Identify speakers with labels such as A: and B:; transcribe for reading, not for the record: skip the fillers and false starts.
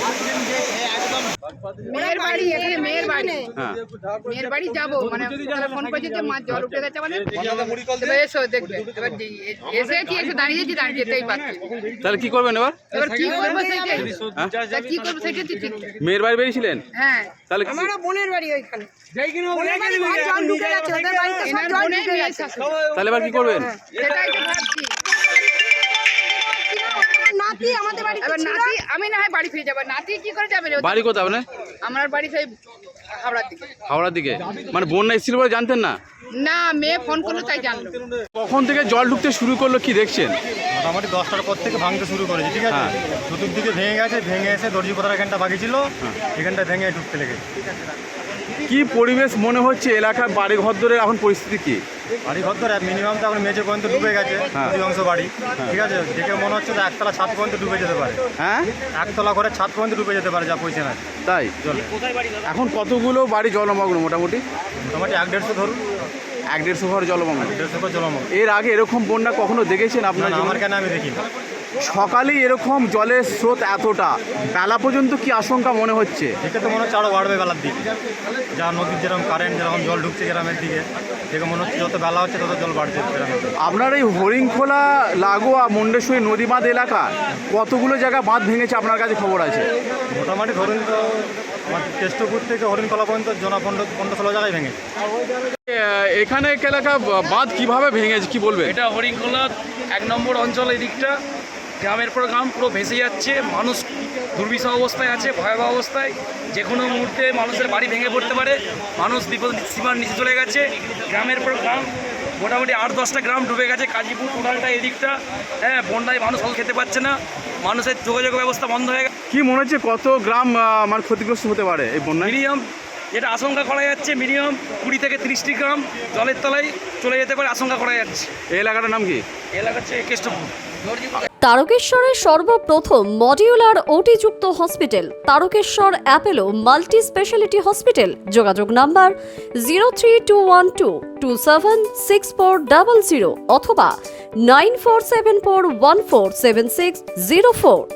A: মেয়ের বাড়ি এখানে, মেয়ের বাড়ি, মেয়ের বাড়ি যাবো মানে ফোন করছি যে মা জল উঠে গেছে মানে এসো দেখবে। এবার এসে কি এসে দাঁড়িয়েছি, দাঁড়িয়ে যেতেই পারছি।
B: তাহলে কি করবেন এবার?
A: এবার কি করবো সেটাই, কি করবো সেটাই ঠিক।
B: মেয়ের বাড়ি বেরিয়েছিলেন?
A: হ্যাঁ,
B: তাহলে
C: আমারও বোনের বাড়ি ওইখানে।
B: তাহলে এবার কি করবেন?
A: সেটাই তো ভাবছি।
C: নাতি আমাদের বাড়ি,
A: এবার নাতি আমি না হয় বাড়ি ফিরে যাবো, নাতি কি করে যাবে?
B: বাড়ি কোথায় আপনার?
A: আমার বাড়ি সেই হাওড়ার দিকে।
B: হাওড়ার দিকে? মানে বন্যা এসেছিল বলে জানতেন না?
A: না, মেয়ে ফোন করলো তাই জানলো।
B: কখন থেকে জল ঢুকতে শুরু করলো কি দেখছেন?
D: মোটামুটি 10টার পর থেকে ভাঙতে শুরু করেছে, ঠিক আছে। চতুর্দিকে ভেঙে গেছে, ভেঙে এসে দর্জিপাড়ার এখানটা বাকি ছিল, এখানটা ভেঙে ঢুকতে লেগেছে।
B: কি পরিবেশ মনে হচ্ছে এলাকার বাড়ি ঘর ধরে এখন পরিস্থিতি কি?
D: বাড়ি ঘর ধরে মিনিমাম তো এখন মেঝে পর্যন্ত ডুবে গেছে, অধিকাংশ বাড়ি, ঠিক আছে। দেখে মনে হচ্ছে যে একতলা ছাদ পর্যন্ত ডুবে যেতে পারে।
B: হ্যাঁ,
D: একতলা করে ছাদ পর্যন্ত ডুবে যেতে পারে, যা পয়সা নাই
B: তাই
D: জলে।
B: এখন কতগুলো বাড়ি জলমগ্ন? মোটামুটি
D: মোটামুটি 1-150 ধরুন,
B: 1-150 ঘর জলমগ্ন।
D: 150 ঘর জলমগ্ন।
B: এর আগে এরকম বন্যা কখনো দেখেছেন আপনার?
D: আমার কেন আমি দেখিনি।
B: সকালেই এরকম জলের স্রোত এতটা, বেলা পর্যন্ত কি আশঙ্কা মনে হচ্ছে?
D: দেখে তো মনে হচ্ছে আরও বাড়বে বেলার দিকে, যা নদীর যেরকম কারেন্ট, যেরকম জল ঢুকছে গ্রামের দিকে, দেখে মনে হচ্ছে যত বেলা হচ্ছে তত জল বাড়ছে গ্রামের দিকে।
B: আপনার এই হরিণখোলা লাগোয়া মুন্ডেশ্বরী নদী বাঁধ এলাকা কতগুলো জায়গা বাঁধ ভেঙেছে আপনার কাছে খবর আছে?
D: মোটামুটি ধরুন তো আমার কেষ্টপুর থেকে হরিণখোলা পর্যন্ত জনা 15-16 জায়গায় ভেঙেছে।
B: এখানে এলাকা বাঁধ কিভাবে ভেঙেছে কি বলবে?
E: এটা হরিণখোলা 1 নম্বর অঞ্চল। এই দিকটা গ্রামের পর গ্রাম পুরো ভেসে যাচ্ছে, মানুষ দুর্বিষহ অবস্থায় আছে, ভয়াবহ অবস্থায়। যে কোনো মুহূর্তে মানুষের বাড়ি ভেঙে পড়তে পারে, মানুষ বিপদ সীমার নিচে চলে গেছে। গ্রামের পর গ্রাম মোটামুটি 8-10টা গ্রাম ডুবে গেছে, কাজীপুর টোটালটা এদিকটা। হ্যাঁ, বন্যায় মানুষ ফল খেতে পারছে না, মানুষের যোগাযোগ ব্যবস্থা বন্ধ হয়ে গেছে।
B: কি মনে হচ্ছে কত গ্রাম মানে ক্ষতিগ্রস্ত হতে পারে এই বন্যায়?
E: মিনিমাম যেটা আশঙ্কা করা যাচ্ছে, মিনিমাম 20 থেকে 30টি গ্রাম জলের তলায় চলে যেতে পারে আশঙ্কা করা যাচ্ছে।
B: এই এলাকাটার নাম কি?
E: এলাকা হচ্ছে কেষ্টপুর।
F: তারকেশ্বরের সর্বপ্রথম মডিউলার ওটি-যুক্ত hospital Tarakeswar Apollo multi speciality hospital. যোগাযোগ নাম্বার 03212276400 অথবা 9474147604।